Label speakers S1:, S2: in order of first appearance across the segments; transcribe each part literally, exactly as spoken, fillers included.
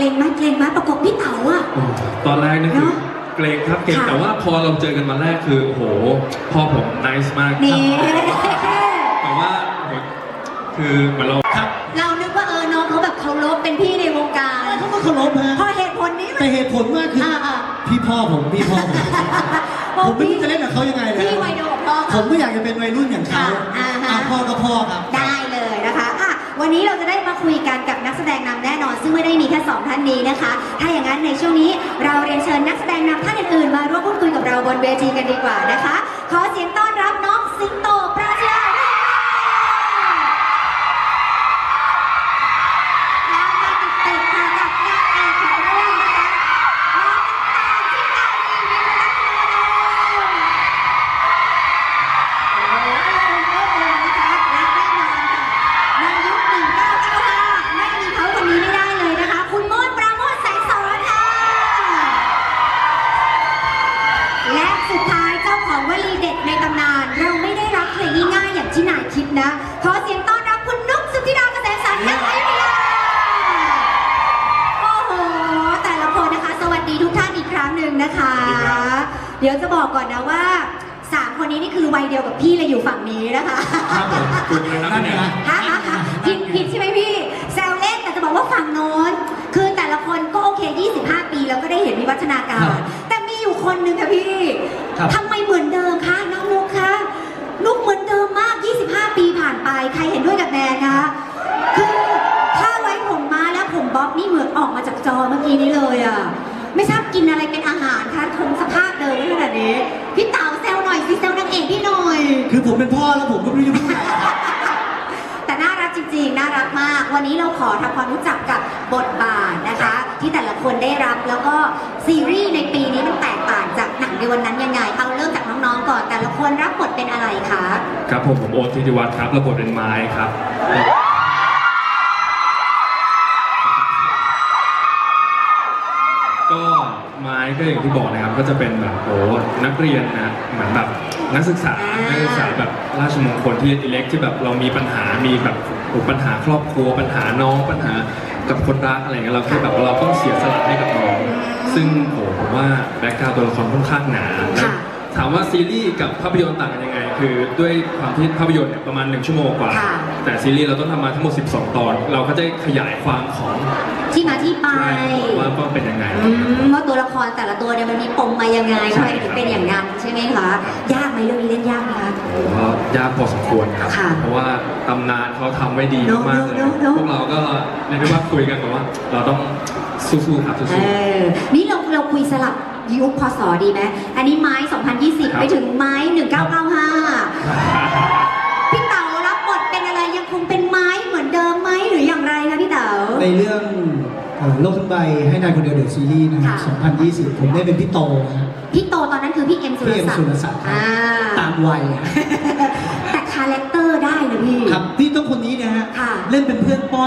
S1: รงไหมเกรงไหมประกบพี่เต๋าอะ
S2: ตอนแรกนี่คือเกรงครับเกรงแต่ว่าพอเราเจอกันมาแรกคือโอ้โหพ่อผมน่ารักมากแต่ว่าคือเหมือนเราครับ
S1: เรานึกว่าเออน้องเขาแบบเคารพเป็นพี่ในวงการ
S3: เขาก็เคารพฮะ
S1: พอเหตุผลนี้
S3: แต่เหตุผลมากคือพี่พ่อผมพี่พ่อผมผมไม่รู้จะเล่นกับเขายังไงเลย
S1: พี่วัยเดียวกับพ่อ
S3: ผมก็อยากจะเป็นวัยรุ่นอย่างเขาพ่อก็พ่อครับ
S1: ได้เลยนะคะอ่ะวันนี้เราจะได้มาคุยกันกับนักแสดงนำแน่นอนซึ่งไม่ได้มีแค่สองท่านนี้นะคะถ้าอย่างนั้นในช่วงนี้เราเรียนเชิญนักแสดงนำท่านอื่นๆมาร่วมพูดคุยกับเราบนเวทีกันดีกว่านะคะขอเสียงต้อนรับน้องสิงโตปราชญ์ที่นายคิดนะขอเสียงต้อนรับคุณนุ๊กสุธิดาเกษมสรรนักอยุธยาโอ้โหแต่ละคนนะคะสวัสดีทุกท่านอีกครั้งหนึ่งนะคะเดี๋ยวจะบอกก่อนนะว่าสามคนนี้นี่คือวัยเดียวกับพี่เลยอยู่ฝั่งนี้นะคะ
S2: ครับผมคุณนะเนี่ย
S1: ฮะฮะผิดผิดใช่ไหมพี่แซวเล่นแต่จะบอกว่าฝั่งโน้นคือแต่ละคนก็โอเคยี่สิบห้าปีแล้วก็ได้เห็นวิวัฒนาการแต่มีอยู่คนหนึ่งค่ะพี่ทำไมเหมือนเดิมคะน้องนุ๊กคะนุ๊กเหมือนเดิมมากยี่สิบห้าปีผ่านไปใครเห็นด้วยกับแนนนะคะคือถ้าไว้ผมมาแล้วผมบ๊อบนี่เหมือนออกมาจากจอเมื่อกี้นี้เลยอ่ะไม่ทราบกินอะไรเป็นอาหารคะคงสภาพเดิมขนาดนี้พี่เต๋าแซวหน่อยสิแซวนางเอกพี่หน่อย
S3: คือผมเป็นพ่อแล้วผมก็ไม่รู้จะพูดอะไร
S1: แต่น่ารักจริงๆน่ารักมากวันนี้เราขอทำความรู้จักกับบทบาทนะคะที่แต่ละคนได้รับแล้วก็ซีรีส์ในปีนี้มันแตกต่างจากหนังในวันนั้นยังไงเอาเริ่มจากน้องๆก่อนแต่ละคนรับบทเป็นอะไรคะ
S2: ครับผมผมโอ๊ตธิติวัฒน์ครับรับบทเป็นไม้ครับก็ไม้ก็อย่างที่บอกนะครับก็จะเป็นแบบโอ้นักเรียนนะเหมือนแบบนักศึกษานักศึกษาแบบราชมงคลที่เล็กที่แบบเรามีปัญหามีแบบปัญหาครอบครัวปัญหาน้องปัญหากับคนรักอะไรเงี้ยเราแค่แบบเราต้องเสียสละให้กับน้องซึ่งโหผมว่าแบ็คกราวด์ตัวละครค่อนข้างหนาถามว่าซีรีส์กับภาพยนตร์ต่างกันยังไงคือด้วยความที่ภาพยนตร์เนี่ยประมาณหนึ่งชั่วโมงกว่าแต่ซีรีส์เราต้องทำมาทั้งหมดสิบสองตอนเราก็จะขยายความของ
S1: ที่มาที่ไป
S2: ว่าก็เป็นยังไง
S1: ว่าตัวละครแต่ละตัวเนี่ยมันมีปมมายังไงทำไมถึงเป็นอย่างนั้นใช่ไหมคะยากไหมเรื่องนี้เล่นยากไหมคะ
S2: ผมว่ายากพอสมควรครับเพราะว่าตำนานเขาทำไว้ดีมากเลยพวกเราก็เรียกได้ว่าคุยกันแบบว่าเราต้องสู้ๆครับสู้
S1: ๆนี่เราเราคุยสลับยุคพศดีไหมอันนี้ไม้สองพันยี่สิบไปถึงไม้หนึ่งเก้าเก้าห้าพี่เต๋ารับบทเป็นอะไรยังคงเป็นไม้เหมือนเดิมไหมหรืออย่างไรคะพี่เต๋า
S3: ในเรื่องโลกทั้งใบให้นายคนเดียวเดอะซีรีส์นะครับสองพันยี่สิบผมได้เป็นพี่โตนะ
S1: พี่โตตอนนั้นคือพี่เอ็มสุรศักดิ์พี่เอ็ม
S3: สุรศักดิ์ตามวัย
S1: แต่คาแรคเตอร์ได้นะพี่
S3: ครับพี่ต้องคนนี้นะฮะเล่นเป็นเพื่อนป้อน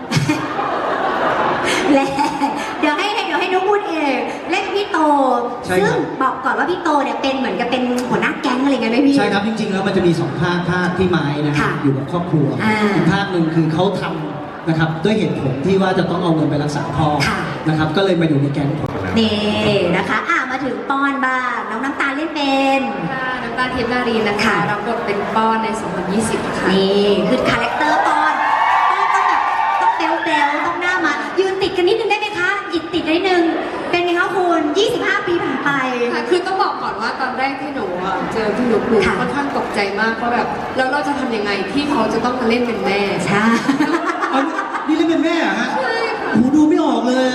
S1: และเดี๋ยวให้เดี๋ยวให้นุ๊กพูดเองเล่นพี่โตซึ่งบอกก่อนว่าพี่โตเนี่ยเป็นเหมือนกับเป็นหัวหน้าแก๊งอะไรเงี้ยไหมพี่
S3: ใช่ครับจริงๆแล้วมันจะมีสองภาคภาคที่ไม้นะครับอยู่กับครอบครัวอีกภาคหนึ่งคือเขาทำนะครับด้วยเหตุผลที่ว่าจะต้องเอาเงินไปรักษาพ่อนะครับก็เลยมาอยู่ในแก๊งผม
S1: นี่นะคะอ่ะมาถึงป้อนบ้างน้องน้ำตาลเล่นเป็น
S4: ค่ะน้ำตาลทิพย์นารีนะคะรับบทเป็นป้อนในสองพันยี่สิบค่ะ
S1: นี่คือคาแรคเตอร์ป้อนป้อนต้องแบบต้องเบลเบลต้องหน้ามายืนติดกันนิดนึงได้ไหมคะอิดติดนิดนึงเป็นไงคะคุณยี่สิบห้าปีผ่านไป
S4: ค่ะคือต้องบอกก่อนว่าตอนแรกที่หนูเจอที่หนูดูค่อนข้างตกใจมากเพราะแบบแล้วเราจะทำยังไงที่เขาจะต้องมาเล่นเป็นแม่
S1: ใช่
S3: นี่เล่นเป็นแม่ฮะหูดูไม่ออกเลย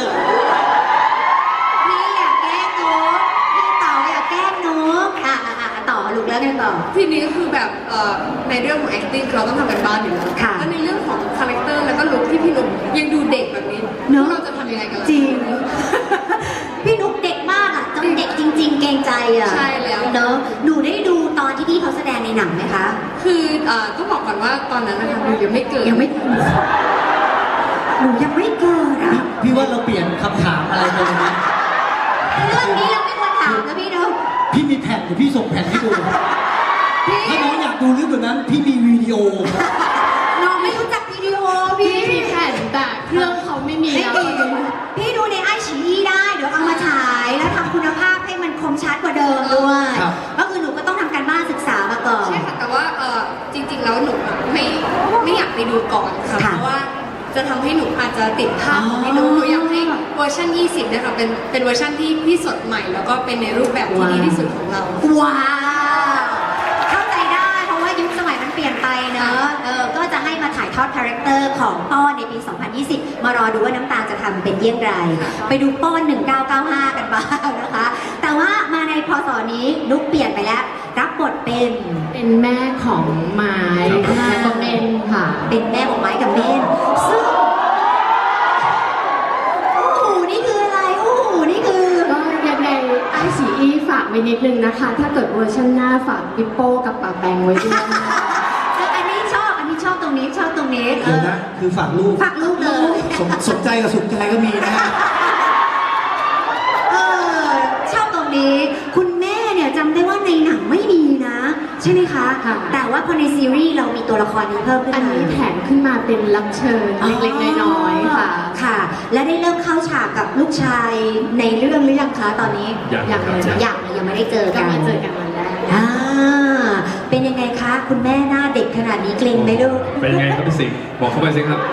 S1: พี่อยากแกล้งนกพี่เต๋าอยากแกล้งนกอ่ะอ่ะอ่ะต่อลูกแล้วกันต่อ
S4: ทีนี้ก็คือแบบในเรื่องของ acting เราต้องทำกันบ้านอยู่แล้วแล้วในเรื่องของคาแรคเตอร์แล้วก็ลุคที่พี่นุ๊กยังดูเด็กแบบนี้เนอะเราจะทำยังไงกัน
S1: จริงพี่นุ๊กเด็กมากอ่ะจนเด็กจริงๆเกรงใจอ่ะ
S4: ใช่แล้ว
S1: เนอะหนูได้ดูตอนที่พี่เขาแสดงในหนังไหมคะ
S4: คือต้องบอกก่อนว่าตอนนั้นนะคะหนูยังไม่เกิด
S1: ยังไม่หนูยังไม่เกิดอ่ะ
S3: พี่ว่าเราเปลี่ยนคำถามอะไรไปไหม
S1: เรื่องนี้เราไม่ควรถามนะพี่เนาะ
S3: พี่มีแผ่นเดี๋ยวพี่ส่งแผ่นให้ดูถ้าน้องอยากดูลึกกว่านั้นพี่มีวิดีโอ
S1: น้องไม่รู้จักวิดีโอพี่
S4: มีแผ่นแต่เครื่องเขาไม่มีแล้ว
S1: พี่ดูในไอชีอีได้เดี๋ยวเอามาฉายแล้วทำคุณภาพให้มันคมชัดกว่าเดิมด้วย
S3: ครับ
S1: ก็คือหนูก็ต้องทำการบ้านศึกษามาก่อน
S4: ใช่ค่ะแต่ว่าเออจริง ๆ แล้วหนูอะไม่ไม่อยากไปดูก่อนค่ะ
S1: ค่ะ
S4: เพราะว่าจะทำให้หนูอาจจะติดภาพของพี่นุ๊กหนูอยากให้เวอร์ชันยี่สิบเนี่ยค่ะเป็นเป็นเวอร์ชันที่ที่สดใหม่ แล้วก็เป็นในรูปแบบที่ดีที่สุดของเรา
S1: ว้าวเข้าใจได้เพราะว่ายุคสมัยมันเปลี่ยนไปเนอะเออก็จะให้มาถ่ายทอดคาแรคเตอร์ของป้อนในปี สองพันยี่สิบ มารอดูว่าน้ำตาลจะทำเป็นเยี่ยงไร ไปดูป้อน หนึ่งเก้าเก้าห้า กันบ้างนะคะ แต่ว่ามาในพศนี้นุกเปลี่ยนไปแล้ว รับบทเป็น
S5: เป็นแม่ของไม้
S1: ครับ
S5: แล้วก็เมนค่ะ
S1: เป็นแม่ของไม้กับเมนซึ่งโอ้โหนี่คืออะไรโอ้โหนี่คือ
S5: ก็ยังไงไอซีอีฝากไว้นิดนึงนะคะ ถ้าเกิดเวอร์ชันหน้าฝากปิโป้กับป่าแปงไว้ด้วยนะคะ
S1: อันนี้ชอบ อันนี้ชอบตรงนี้ชอบตรงนี้
S3: เดี๋ยวนะคือฝากลูก
S1: ฝากลูกเลย
S3: สนสนใจกับสุขใจก็มีนะฮะ
S1: เออชอบตรงนี้ คุณแม่เนี่ยจำได้ว่าในหนังไม่มีนะ ใช่ไหมคะ
S5: ค่ะ
S1: แต่ว่าพอในซีรีส์เรามีตัวละครนี้เพิ่มขึ้น
S5: อัน
S1: มา
S5: นี้แถมขึ้นมาเป็นรับเชิญเล็กๆน้อยๆค่ะ
S1: ค่ะ และได้เริ่มเข้าฉากกับลูกชายในเรื่องหรือยังคะตอนนี้
S2: อย่าง
S5: อย่าง
S2: ครับ
S5: เลย
S1: ยังยังไม่ได้เจอ
S5: ก็
S1: กัน
S5: มาเจอกันวันแรก
S1: อ่าเป็นยังไงคะ คุณแม่หน้าเด็กขนาดนี้เกรงไหมลูก
S2: เป็นไงครับพี่สิงห์บอกเข้าไปสิครับ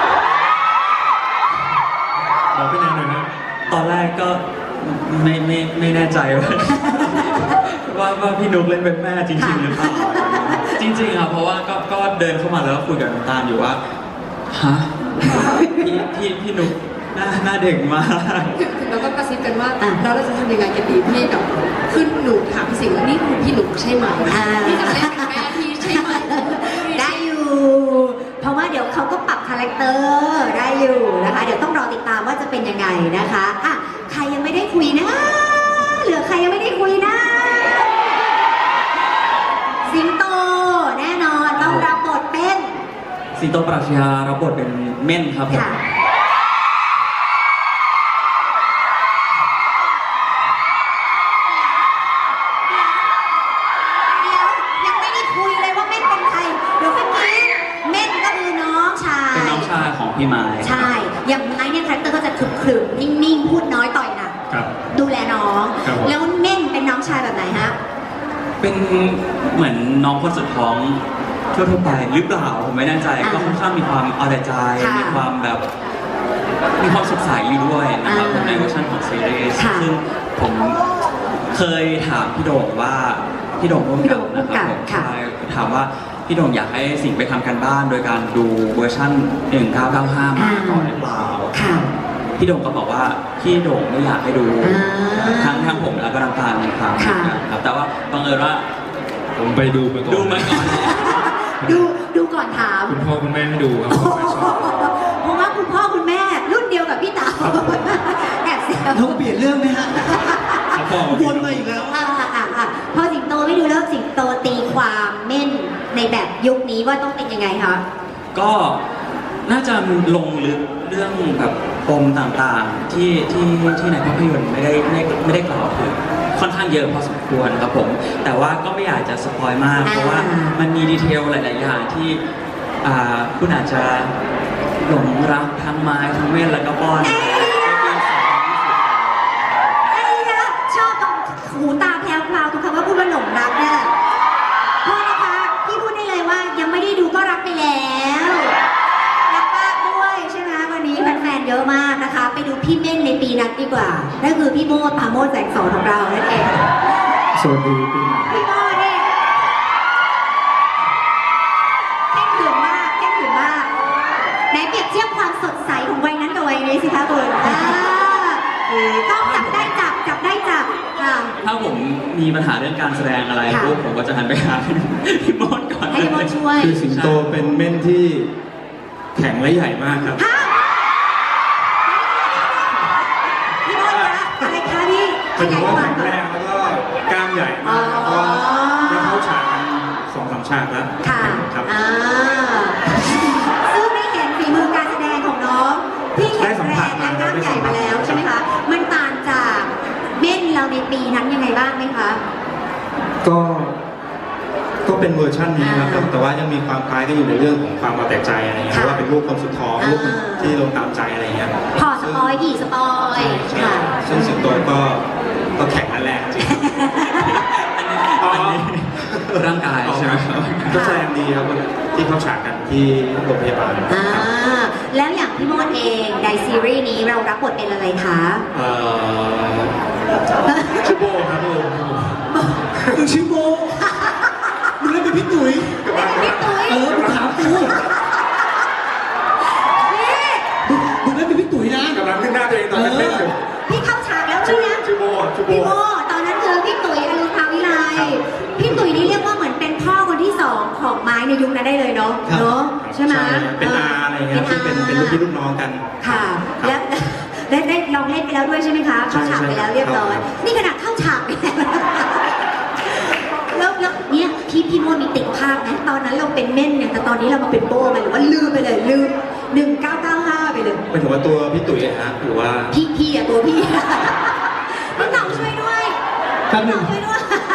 S2: บอกพี่แนนหน่อยนะ
S6: ตอนแรกก็ไม่ไม่ไม่แน่ใจว่า ว่าว่าพี่นุ๊กเล่นเป็นแม่จริงๆหรือเปล่าจริงๆครับเพราะว่าก็ก็เดินเข้ามาแล้วก็คุยกับน้ำตาลอยู่ว่าฮะพี่พี่พี่นุ๊กหน้าหน้าเด็กมาก
S4: แล้วก็กระซิบกันว่า
S1: อ่ะ
S4: เราจะทำยังไงกันดีพี่แบบขึ้นหนูถามพี่สิงห์ว่านี่คือพี่หนูใช่ไหม
S1: อ่า
S4: พี่จะเล่นเป็นแม่พี่ใช่ไหม
S1: ได้อยู่ เพราะว่าเดี๋ยวเขาก็ปรับคาแรคเตอร์ได้อยู่นะคะ เดี๋ยวต้องรอติดตามว่าจะเป็นยังไงนะคะอ่ะใครยังไม่ได้คุยนะ เหลือใครยังไม่ได้คุยนะ สิงโตแน่นอนต้องรับบทเป็น
S6: สิงโตปรัชญารับบทเป็นเม่นครับผม
S1: ค่ะเดี๋ยวยังไม่ได้คุยเลยว่าเม่นเป็นใคร เดี๋ยวเมื่อกี้เม่นก็คือน้องชาย
S6: เป็นน้องชายของพี่ไม้
S1: ใช่ อย่างไม้เนี่ยคาแรคเตอร์ก็จะขรึมๆนิ่งๆ พูดน้อยต่อยหนัก
S2: ครับ
S1: ดูแลน้อง
S2: ครับผม
S1: แล้วเม่นเป็นน้องชายแบบไหนฮะ
S6: เป็นเหมือนน้องคนสุดท้องทั่วๆไปหรือเปล่าผมไม่แน่ใจ
S1: อ่า
S6: ก็ค่อนข้างมีความเอาแต่ใจ
S1: ค่ะ
S6: มีความแบบ มีความสดใสอยู่ด้วยนะครับ
S1: อ่า
S6: ในเวอร์ชันของซีรีส์
S1: ค่ะ
S6: ซึ่งผมเคยถามพี่โด่งว่าพี่โด่งร่วม
S1: พี่
S6: กั
S1: โด่
S6: น
S1: งร่ว
S6: นะ
S1: ม
S6: ค
S1: กั
S6: รั
S1: น
S6: บผม
S1: ค่ะ
S6: ใช่ถามว่าพี่โด่งอยากให้สิ่งไปทำกันบ้านโดยการดูเวอร์ชันหนึ่งเก้าเก้าห้ามาก่อนหรือเปล่า
S1: ค่ะ
S6: พี่โด่งก็บอกว่าพี่โด่งไม่อยากให้ดู
S1: อ่า
S6: ทั้งทั้งผมแล้วก็น้ำตาลในครั้ง
S1: ค่ะ
S6: นะครับแต่ว่าบังเอิญว่า
S2: ผมไปดูมาก่อน
S6: ดูมาก่อน
S1: ดูดูก่อนถาม
S2: คุณพ่อคุณแม่ให้ดูครับผมไม่ชอบ
S1: เพราะว่าคุณพ่อคุณแม่รุ่นเดียวกับพี่เต๋าแอบเสียว
S3: เราเปลี่ยนเรื่องไหมฮะ
S2: เขาบอก
S3: วนมาอีกแล้ว
S1: อ่าอ่าอ่าพอสิงโตไม่ดูแล้วสิงโตตีความเม่นในแบบยุคนี้ว่าต้องเป็นยังไงคะ
S6: ก็น่าจะลงลึกเรื่องแบบปมต่างๆที่ที่ที่ในภาพยนตร์ไม่ได้ไม่ไม่ได้กล่าวถึงค่อนข้างเยอะพอสมควรครับผม แต่ว่าก็ไม่อยากจะสปอยมาก
S1: อ่า
S6: เพราะว่ามันมีดีเทลหลาย ๆ อย่างที่อ่าคุณอาจจะหลงรักทั้งไม้ทั้งเม่นแล้วก็ป้อนในปีสองพันยี่สิบ
S1: ไอ้นะชอบตรงหูตาแพรวพราวทุกคำว่าพูดว่าหลงรักเนี่ยโทษนะคะพี่พูดได้เลยว่ายังไม่ได้ดูก็รักไปแล้วรักมากด้วยใช่ไหมวันนี้แฟนๆเยอะมากนะคะ ไปดูพี่เม่นในปีนั้นดีกว่านั่นคือพี่โมดปราโมดแสงสอนของเรานั่นเอง
S2: สวัสดีปีใหม่
S1: พี่โมดนี่เข่งขรึมมากเข่งขรึมมากไหนเปรียบเทียบความสดใสของวัยนั้นกับวัยนี้สิคะคุณอ่าต้องจับได้จับจับได้จับค่ะ
S6: ถ้าผมมีปัญหาเรื่องการแสดงอะไร
S1: ค่ะ
S6: ปุ๊บผมก็จะหันไปหาพี่มดก่อน
S1: ให้พี่โมดช่วย
S2: คือสิงโตเป็นเม่นที่แข็งและใหญ่มากครับ
S1: ฮะพี่โมดคะอะไรคะพี่ข
S2: เป็น
S1: ยาย
S2: ว่า
S1: ควา
S2: แข็
S1: ม
S2: ง
S1: ก่อน
S2: แรงแล้วก็กล้ามใหญ่มาก
S1: อ๋อ
S2: แล้วก็ได้เข้าฉากกันสองสามฉากแล้ว
S1: ค่ะ
S2: ครับ
S1: อ่าซึ่งได้เห็นฝีมือการแสดงของน้องพี่แข็งแรงและกล้ามใหญ่มาแล้วใช่ไหมคะ มันต่างจากเม่นเราในปีนั้นยังไงบ้างไหมคะ
S7: ก็ ก็เป็นเวอร์ชันนี้ครับ
S1: อ่า
S7: แต่ว่ายังมีความคล้ายกันอยู่ในเรื่องของความเอาแต่ใจอะไรเงี้ย
S1: ค่ะ
S7: เพราะว่าเป็นลูกคนสุดท้อง
S1: อ่า
S7: ลูกคนที่ลงตามใจอะไรเงี้ย
S1: พอสปอยดิสปอย
S7: ใช่
S1: ค่ะ
S7: ซึ่งสิงโตก็ก็แข็งและแรงจริง
S6: อันนี้ร่างกายใช่ไหมครับ
S7: ก็แสดงดีครับที่เข้าฉากกันที่โรงพยาบาล
S1: อ่าแล้วอย่างพี่โมดเองในซีรีส์นี้เรารับบทเป็นอะไรคะ
S7: เอ่อชื่อโบครับโบ
S3: มึงชื่อโบมึงเล่นเป็นพี่ตุ๋ย
S1: พี่ตุ้ย
S3: เออมึงถามกู
S1: พี่
S3: มึงมึงเล่นเป็นพี่ตุ๋ยนะ
S7: กำลังขึ้นหน้าตัวเองตอนเล่นอยู่
S1: พี่เข้าฉากแล้วใช่ไหม
S7: ชื่อโบชื่อโบ
S1: พี่โมตอนนั้นคือพี่ตุ๋ยอรุณภาวิไลพี่ตุ๋ยนี่เรียกว่าเหมือนเป็นพ่อคนที่สองของไม้ในยุคนั้นได้เลยเนาะเนาะใช่ไหม
S7: เป็นอาอะไรเงี้ยซึ่งเป็นเป็นลูกพี่ลูกน้องกัน
S1: ค่ะแล้วได้ได้ลองเล่นไปแล้วด้วยใช่ไหมคะเข้าฉากไปแล้วเรียบร้อยนี่ขนาดเข้าฉากไปแล้วแล้วแล้วเนี่ยพี่พี่โมมีติดภาพนะตอนนั้นเราเป็นเม่นเนี่ยแต่ตอนนี้เรามาเป็นโบ้ไปหรือว่าลืมไปเลยลืมหนึ่งเก้าเก้าห้าไปเลย
S7: ไม่ถึงว่าตัวพี่ตุ๋ยอะฮะหรือว่า
S1: พี่พี่อะตัวพี่ พี่เต่าช่วยด้วย
S3: แป๊บหนึง
S1: ช่วยด้วย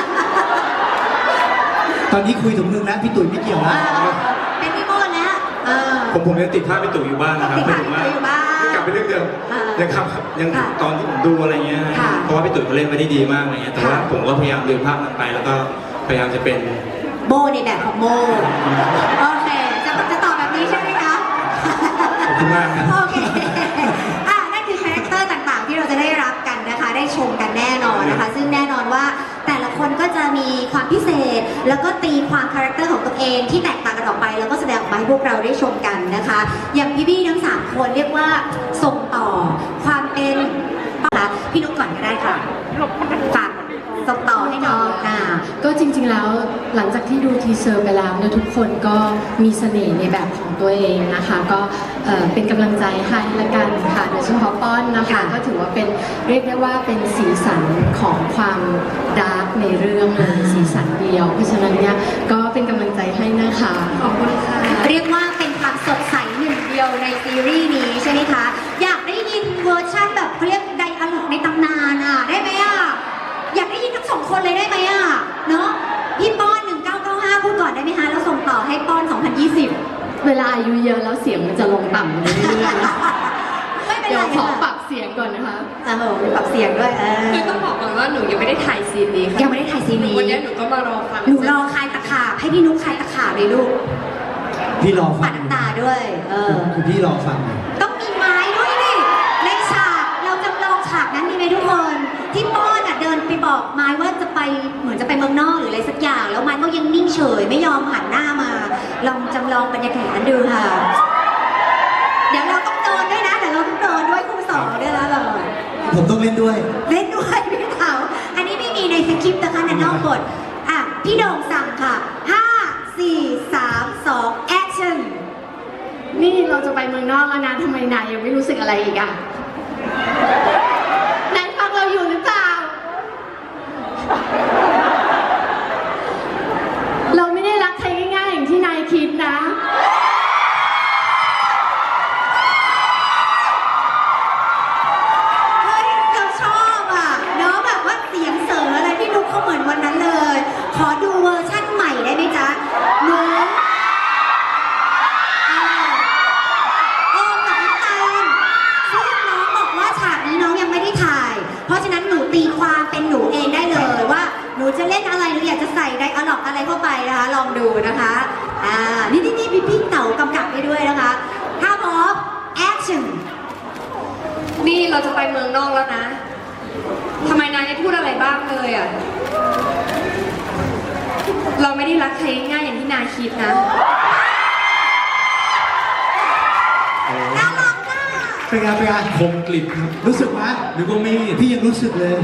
S3: ตอนนี้คุยถึงมึงแล้วพี่ตุ๋ยไม่เกี่ยว
S1: เอ
S3: แล้ว
S1: อเป็นพี่โมแล้วเออ
S7: ผมผมยังติดภาพพี่ตุ๋ยอยู่บ้างนะครับ
S1: ติดภาพ
S7: หมายถึงว่า
S1: พี่ตุ๋ยอยู่บ้าง
S7: กลับไปเรื่องเดิม
S1: อ่ายั
S7: ยังครับยัง
S1: ค่ะ
S7: ตอนที่ผมดูอะไรเงี้ย
S1: ค่ะ
S7: เพราะว่าพี่ตุ๋ยเขาเล่นไปได้ดีมากอะไรเงี้ยแต่ว่า
S1: ค่ะ
S7: ผมก็พยายามลืมภาพนั้นไปแล้วก็พยายามจะเป็น
S1: โบในแบบของโมโอเคจะจะตอบแบบนี้ใช่ไหมคะ
S7: ขอบคุณมากครับ
S1: โอเคอ่ะนั่นคือคาแรคเตอร์ต่างๆ ที่เราจะได้รับกันนะคะ ได้ชมกันแน่นอนนะคะ ซึ่งแน่นอนว่าแต่ละคนก็จะมีความพิเศษ แล้วก็ตีความคาแรคเตอร์ของตัวเองที่แตกต่างกันออกไป แล้วก็แสดงออกมาให้พวกเราได้ชมกันนะคะ อย่างพี่บี้ทั้งสามคนเรียกว่าส่งต่อความเป็นนะคะพี่นุ๊กก่อนก็ได้ค่ะฝากส่งต่อให้น้องค่ะ
S5: ก็จริงๆแล้วหลังจากที่ดูทีเซอร์ไปแล้วเนี่ยทุกคนก็มีเสน่ห์ในแบบของตัวเองนะคะ ก็เอ่อเป็นกำลังใจให้ละกันค่ะโดยเฉพาะป้อนนะคะ
S1: ค่ะ
S5: ก็ถือว่าเป็นเรียกได้ว่าเป็นสีสันของความดาร์กในเรื่องเลยสีสันเดียว เพราะฉะนั้นเนี่ยก็เป็นกำลังใจให้นะคะขอบคุณค่ะ
S1: เรียกว่าเป็นความสดใสหนึ่งเดียวในซีรีส์นี้ใช่ไหมคะ อยากได้ยินเวอร์ชั่นแบบเขาเรียกไดอะล็อกในตำนานอ่ะ ได้ไหมอ่ะ อยากได้ยินทั้งสองคนเลยได้ไหมอ่ะ เนาะพี่ป้อนหนึ่งเก้าเก้าห้าพูดก่อนได้ไหมคะ แล้วส่งต่อให้ป้อนสองพันยี่สิบ
S5: เวลาอายุเยอะแล้วเสียงมันจะลงต่ำลงเรื่อยๆนะ
S1: ไม่เป็น
S5: เดี๋
S1: ไร
S5: ยวขอ
S1: ค่ะ
S5: ปรับเสียงก่อนนะคะ
S1: โอ้โหมีปรับเสียงด้วยเออ
S4: คือต้องบอกก่อนว่าหนูยังไม่ได้ถ่ายซีนนี้ค่ะ
S1: ยังไม่ได้ถ่ายซีนนี้
S4: วันนี้หนูก็มารอฟัง
S1: หนูรอคลายตะขาบให้พี่นุ๊กคลายตะขาบเลยลูก
S3: พี่รอฟั
S1: ปั
S3: ง
S1: ดน้ำตาด้วย เออ
S3: คือพี่รอฟังอยู่
S1: ต้องมีไม้ด้วยดิในฉากเราจำลองฉากนั้นดีไหมทุกคน ที่ป้อนอ่ะเดินไปบอกไม้ว่าจะไปเหมือนจะไปเมืองนอกหรืออะไรสักอย่าง แล้วไม้ก็ยังนิ่งเฉยไม่ยอมหันหน้ามา ลองจำลองบรรยากาศนั้นดูค่ะ เดี๋ยวเราต้องโดนด้วยนะเดี๋ยวเราต้องโดนด้วยครูสอนด้วยแล้วเรา
S3: ผมต้องเล่นด้วย
S1: เล่นด้วยพี่เต๋าอันนี้ไม่มีในสคริปต์นะคะในนอกบทอ่ะพี่โด่งสั่งค่ะห้าสี่สามสองแอคชั่น
S5: นี่เราจะไปเมืองนอกแล้วนะทำไมนายยังไม่รู้สึกอะไรอีกอ่ะนายฟังเราอยู่หรือเปล่า เราไม่ได้รักใครง่ายๆอย่างที่นายคิดนะ
S1: เฮ้ยเราชอบอ่ะเนาะแบบว่าเสียงเสริงอะไรพี่นุ๊กเขาเหมือนวันนั้นเลย ขอดูเวอร์ชั่นใหม่ได้ไหมจ๊ะหนูอ่าโอมกับน้ำตาลซึ่งน้องบอกว่าฉากนี้น้องยังไม่ได้ถ่าย เพราะฉะนั้นหนูตีความเป็นหนูเองได้เลยว่าหนูจะเล่นอะไรหนูอยากจะใส่ไดอะล็อกอะไรเข้าไปนะคะลองดูนะคะอ่านี่นี่นี่พี่พี่เต๋ากำกับไปด้วยนะคะถ้าพร้อมแอคชั่น
S4: นี่เราจะไปเมืองนอกแล้วนะทำไมนายไม่พูดอะไรบ้างเลยอ่ะ เราไม่ได้รักใครง่ายๆอย่างที่นายคิดนะ
S1: น่ารักอ่ะ
S3: เป็นไงเป็นไง
S2: คมกลิบครับ
S3: รู้สึกไหม
S2: นึกว่ามีด
S3: พี่ยังรู้สึกเลย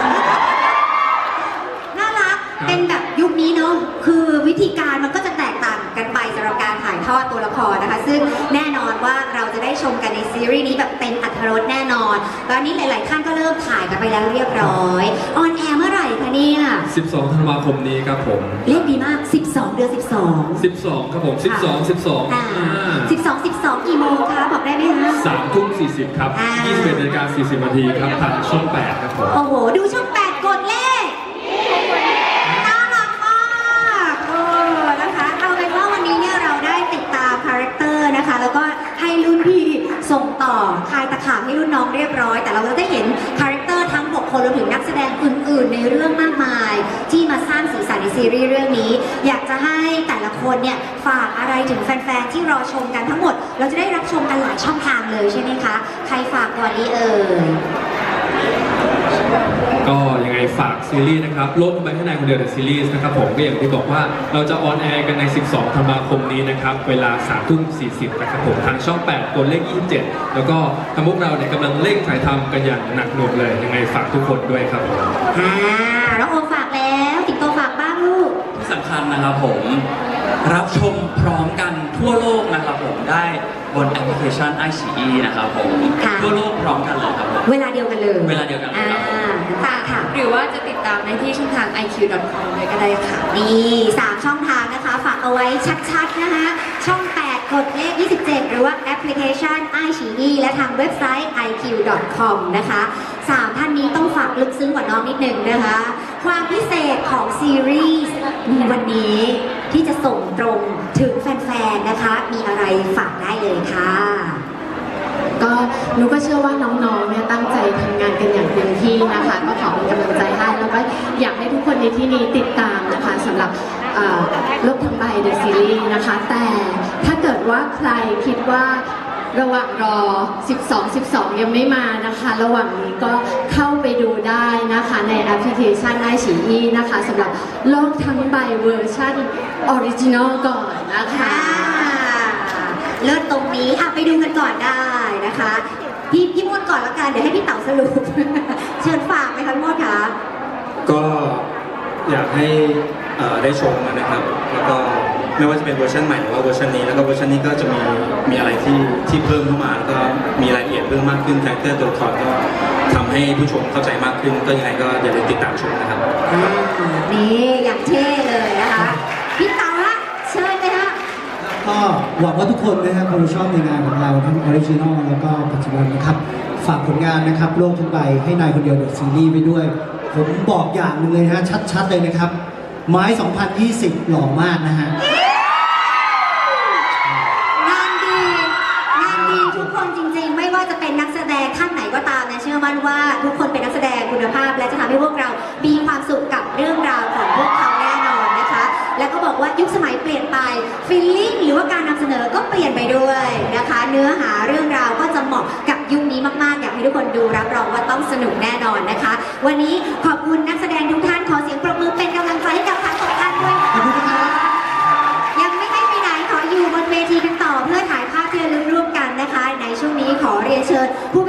S1: น่ารัก
S2: ครับ
S1: เป็นแบบยุคนี้เนาะ คือวิธีการมันก็จะแตกต่างกันไปสำหรับการถ่ายทอดตัวละครนะคะ ซึ่งแน่นอนว่าเราจะได้ชมกันในซีรีส์นี้แบบเต็มอรรถรสแน่นอนตอนนี้หลาย ๆ ท่านก็เริ่มถ่ายกันไปแล้วเรียบร้อย ออนแอร์เมื่อไหร่คะเนี่ย
S2: สิบสองธันวาคมนี้ครับผม
S1: เลขดีมาก สิบสอง เดือน สิบสอง
S2: สิบสองครับผมสิบสองสิบสอง
S1: อ่าสิบสอง สิบสองกี่โมงคะบอกได้ไหมคะ
S2: สามทุ่มสี่สิบครับ
S1: อ่า
S2: ยี่สิบเอ็ดนาฬิกาสี่สิบนาทีครับทางช่องแปดครับผม
S1: โอ้โห ดูช่องแปดกดเลข น่ารักมากเออนะคะ เอาเป็นว่าวันนี้เนี่ยเราได้ติดตามคาแรคเตอร์นะคะ แล้วก็ให้รุ่นพี่ส่งต่อต่อคลายตะขาบให้รุ่นน้องเรียบร้อย แต่เราก็ได้เห็นคาแรคเตอร์ทั้งหกคนรวมถึงนักแสดงอื่นๆ ในเรื่องมากมาย ที่มาสร้างสีสันในซีรีส์เรื่องนี้ อยากจะให้แต่ละคนเนี่ยฝากอะไรถึงแฟนๆที่รอชมกันทั้งหมด เราจะได้รับชมกันหลายช่องทางเลยใช่ไหมคะใครฝากก่อนดีเอ่ย
S2: ก็ยังไงฝากซีรีส์นะครับโลกทั้งใบให้นายคนเดียวเดอะซีรีส์นะครับผมก็อย่างที่บอกว่าเราจะออนแอร์กันใน สิบสอง ธันวาคมนี้นะครับเวลา สามทุ่มสี่สิบ นะครับผมทางช่อง แปด ตัวเลข ยี่สิบเจ็ด แล้วก็ทางพวกเราเนี่ยกำลังเร่งถ่ายทำกันอย่างหนักหน่วงเลยยังไงฝากทุกคนด้วยครับผม
S1: อ่าน้องโอมฝากแล้วสิงโตฝากบ้างลูก
S6: ที่สำคัญนะครับผมรับชมพร้อมกันทั่วโลกนะครับผมได้บนแอปพลิเคชัน ไอ ซี อี นะครับผม
S1: ค่ะ
S6: ทั่วโลกพร้อมกันเลยครับผม
S1: เวลาเดียวกันเลย
S6: เวลาเดียวกันเลยครับผม
S1: อ่าตาค่ะ
S4: หรือว่าจะติดตามได้ที่ช่องทาง ไอ คิว ดอท คอม เลยก็ได้ค่ะ
S1: นี่สามช่องทางนะคะ ฝากเอาไว้ชัดๆนะคะ ช่อง แปด กดเลข ยี่สิบเจ็ด หรือว่าแอปพลิเคชัน ไอ ซี อี และทางเว็บไซต์ ไอ คิว ดอท คอม นะคะสามท่านนี้ต้องฝากลึกซึ้งกว่าน้องนิดนึงนะคะ ความพิเศษของซีรีส์มีวันนี้ที่จะส่งตรงถึงแฟนๆ นะคะ มีอะไรฝากได้เลยค่ะ
S5: ก็หนูก็เชื่อว่าน้องๆ เนี่ยตั้งใจทำงานกันอย่างเต็มที่นะคะ ก็ขอเป็นกำลังใจให้แล้วก็อยากให้ทุกคนในที่นี้ติดตามนะคะสำหรับเอ่อโลกทั้งใบเดอะซีรีส์นะคะ แต่ถ้าเกิดว่าใครคิดว่าระหว่างรอ สิบสอง สิบสอง ยังไม่มานะคะ ระหว่างนี้ก็เข้าไปดูได้นะคะในแอปพลิเคชัน ไอ ซี อี นะคะสำหรับโลกทั้งใบเวอร์ชันออริจินอลก่อนนะคะ
S1: อ่าเลิศตรงนี้อ่ะไปดูกันก่อนได้นะคะ พี่พี่มดก่อนละกันเดี๋ยวให้พี่เต๋าสรุป เชิญฝากไหมคะพี่มดคะ
S7: ก็อยากให้เอ่อได้ชมกันนะครับ แล้วก็ไม่ว่าจะเป็นเวอร์ชันใหม่หรือว่าเวอร์ชันนี้แล้วก็เวอร์ชันนี้ก็จะมีมีอะไรที่ที่เพิ่มเข้ามาแล้วก็มีรายละเอียดเพิ่มมากขึ้นคาแรคเตอร์ตัวละครก็ทำให้ผู้ชมเข้าใจมากขึ้น ก็ยังไงก็อย่าลืมติดตามชมนะครับ
S1: อ่านี่อย่างเท่เลยนะคะ พี่เต๋าฮะเชิญเลยฮะ
S3: ก็หวังว่าทุกคนนะครับคงชอบในงานของเราทั้งออริจินอลแล้วก็ปัจจุบันนะครับ ฝากผลงานนะครับโลกทั้งใบให้นายคนเดียวเดอะซีรีส์ไปด้วย ผมบอกอย่างหนึ่งเลยนะฮะชัดๆเลยนะครับ ไม้ สองพันยี่สิบ หล่อมากนะฮะ
S1: งานดีงานดีทุกคนจริงๆ ไม่ว่าจะเป็นนักแสดงท่านไหนก็ตามนะเชื่อมั่นว่าทุกคนเป็นนักแสดงคุณภาพ และจะทำให้พวกเรามีความสุขกับเรื่องราวของพวกเขาแน่นอนนะคะ แล้วก็บอกว่ายุคสมัยเปลี่ยนไปฟีลลิ่งหรือว่าการนำเสนอก็เปลี่ยนไปด้วยนะคะ เนื้อหาเรื่องราวก็จะเหมาะกับยุคนี้มากๆ อยากให้ทุกคนดูรับรองว่าต้องสนุกแน่นอนนะคะ วันนี้ขอบคุณนักแสดงทุกท่านขอเสียงปรบมือเป็นกำลังใจให้กับทั้งสองท่านด้วยค่ะ
S3: ขอบคุณครับ
S1: ยังไม่ให้ไปไหนขออยู่บนเวทีกันต่อเพื่อถ่ายภาพที่ระลึกร่วมกันนะคะ ในช่วงนี้ขอเรียนเชิญผู้